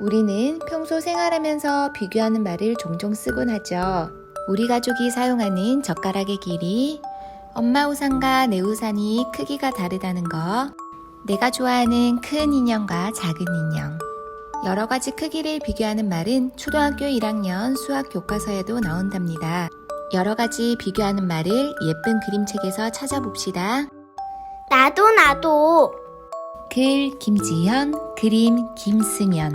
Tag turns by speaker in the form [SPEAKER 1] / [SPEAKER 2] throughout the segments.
[SPEAKER 1] 우리는 평소 생활하면서 비교하는 말을 종종 쓰곤 하죠. 우리 가족이 사용하는 젓가락의 길이, 엄마 우산과 내 우산이 크기가 다르다는 거, 내가 좋아하는 큰 인형과 작은 인형. 여러 가지 크기를 비교하는 말은 초등학교 1학년 수학 교과서에도 나온답니다. 여러 가지 비교하는 말을 예쁜 그림책에서 찾아봅시다.
[SPEAKER 2] 나도.
[SPEAKER 1] 글 김지현, 그림 김승연.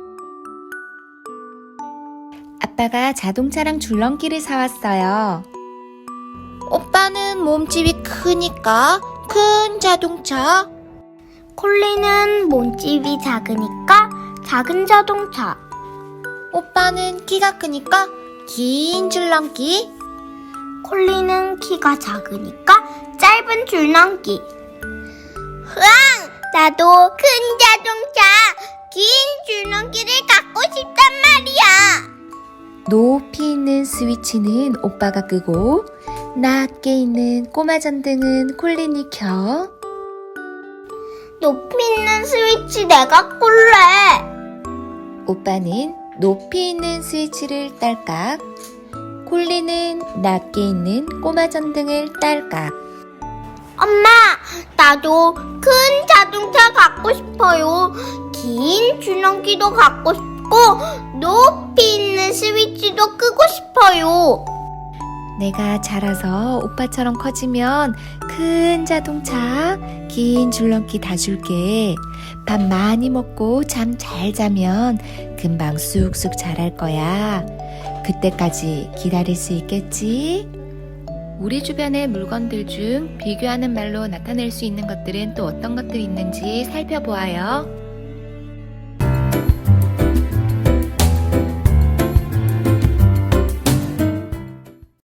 [SPEAKER 1] 아빠가 자동차랑 줄넘기를 사왔어요.
[SPEAKER 2] 오빠는 몸집이 크니까 큰 자동차. 콜리는 몸집이 작으니까 작은 자동차. 오빠는 키가 크니까 긴 줄넘기. 콜리는 키가 작으니까 짧은 줄넘기. 으앙! 나도 큰 자동차, 긴 줄넘기를 갖고 싶단 말이야.
[SPEAKER 1] 높이 있는 스위치는 오빠가 끄고 낮게 있는 꼬마 전등은 콜린이 켜.
[SPEAKER 2] 높이 있는 스위치 내가 꿀래.
[SPEAKER 1] 오빠는 높이 있는 스위치를 딸깍, 콜린은 낮게 있는 꼬마 전등을 딸깍.
[SPEAKER 2] 엄마, 나도 큰 자동차 갖고 싶어요. 긴 줄넘기도 갖고 싶고 높이 있는 스위치도 끄고 싶어요.
[SPEAKER 1] 내가 자라서 오빠처럼 커지면 큰 자동차, 긴 줄넘기 다 줄게. 밥 많이 먹고 잠 잘 자면 금방 쑥쑥 자랄 거야. 그때까지 기다릴 수 있겠지? 우리 주변의 물건들 중 비교하는 말로 나타낼 수 있는 것들은 또 어떤 것들이 있는지 살펴보아요.